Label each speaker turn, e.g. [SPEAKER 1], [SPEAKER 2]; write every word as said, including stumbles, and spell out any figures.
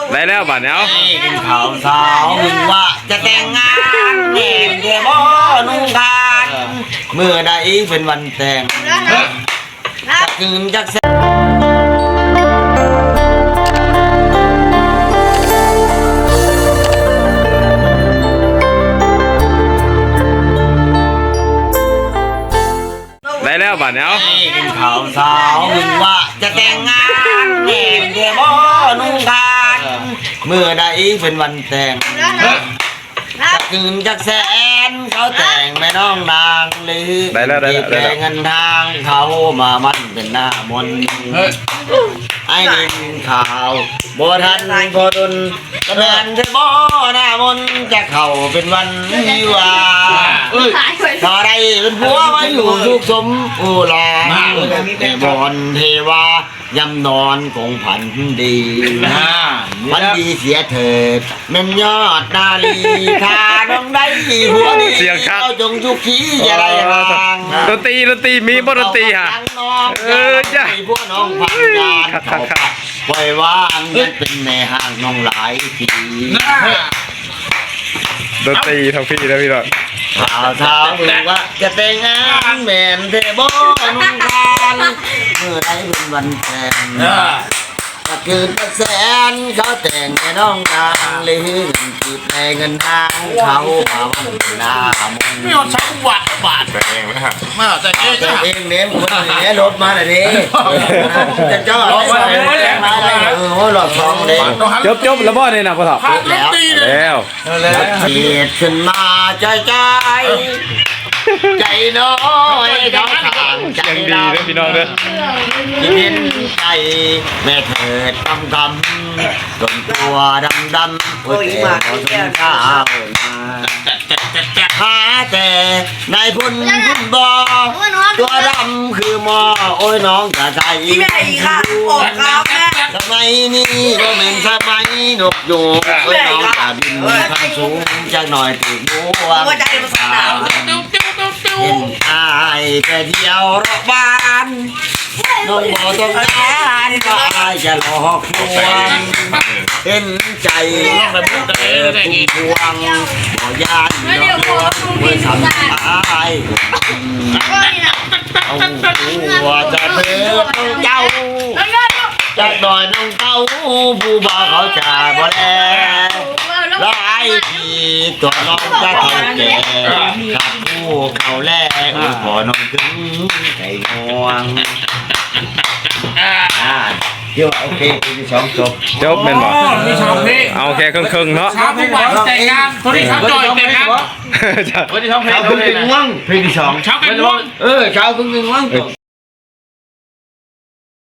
[SPEAKER 1] ได้แล้วบัดเนี้ย
[SPEAKER 2] กินข้าวสาวมึงว่าจะแต่งงานแง่เดี๋ยวบ่นุ่งกันเมื่อใดเป็นวันแต่งจะคืนจักแส
[SPEAKER 1] ได้แล้วบัดเนี้ย
[SPEAKER 2] กินข้าวสาวมึงว่าจะแต่งงานแง่เดี๋ยวบ่นุ่งกันเมื่อใดเป็นวันแต่งจะคืนจักแสนเขาแต่งแม่น้องนางหรือแต่เงินทางเขามามันเป็นหน้ามนไอ้ดินข่าวโบทันโบดุนกระเดินเทบ่หน้ามนจะเข้าเป็นวันวิวาต่อได้เป็นผัวมาอยู่สุขสมอุลาเทบอนเทวายำนอนคงผันดีพันดีเสียเถิดแม่นยอดนาลีถ้าน้องได้ผัวดีเราจงสุขีอย่าไรห่าง
[SPEAKER 1] ดนตรีดนตรีมีบ่ดนตรีฮะเออจ้ะ
[SPEAKER 2] พวกน้องพันยานเขาปล่อยว่างยังเป็นในห้างน้องหลายที
[SPEAKER 1] ดนตรีทั้งพี่นะพี่น้อง
[SPEAKER 2] ข่าวเช้าบอกว่าจะแต่งงานแม่นเทบนุ่งกันเมื่อไรเป็นวันแต่งถ้าคืนเป็นแสนเขาแต่งแม่น้องนางเลยเงินจีบในเงินทางเขามาวันหน้ามน
[SPEAKER 3] ไม่เอาชักหวัดบาด
[SPEAKER 1] แต่เองนะฮะ
[SPEAKER 3] ไม่เอาแต่เอง
[SPEAKER 2] แต่เองเน้มคนนี้รถมาหน่อยดิจะเจ้าอะไรมาได้เออหลอดทองเลย
[SPEAKER 1] จบจบแล้วบ่เนี่ยนะพ่อถอด
[SPEAKER 2] แล้ว
[SPEAKER 1] แล้ว
[SPEAKER 2] แล้วเฉียดขึ้นมาใจใจใจน้อยเขาทางใจ
[SPEAKER 1] ดีนะพี่น้องเด้อ
[SPEAKER 2] ที่เห็นใจแม่เถิดคำคำจนตัวดำดำโอ้ยมาเขาสงข้าวมาหาแต่นายพุ่นพุ่นบ่ตัวดำคือหมอโอ้ยน้องจะใจทำไมนี่ก็เป็นสมัยนกยูงโอ้ยน้องจะบินข้างสูงจักหน่อยถึงบัวเห็นอายแต่เที่ยวรอบบ้านน้องบอกต้องการก็อายจะหลอกลวงเห็นใจแบบพุ่งพวงบ่ยานหลอกลวงเมื่อทำอายเอาหัวจะเถิดเจ้าจากดอยน้องเต้าผู้บ่าวเขาจะบ่แลหลายทีตัวน้องจะเท่าแก่กับผู้เขาแลพอน้องถึงใจง่วงเดี๋ยวโอเคที่สองจบ
[SPEAKER 1] จบเป็นบ่
[SPEAKER 3] มีชาวเพล
[SPEAKER 1] เอาแค่ครึ่งๆเนาะ
[SPEAKER 3] ชาวเพลงแต่งงานคนที่ชาวจอยแต่งงานคนที่ชาวเพลง
[SPEAKER 2] ชาวครึ่งหนึ่งว่างเพลงที่สอง
[SPEAKER 3] ชาวเพลงว่าง
[SPEAKER 2] เออชาวครึ่งหนึ่งว่าง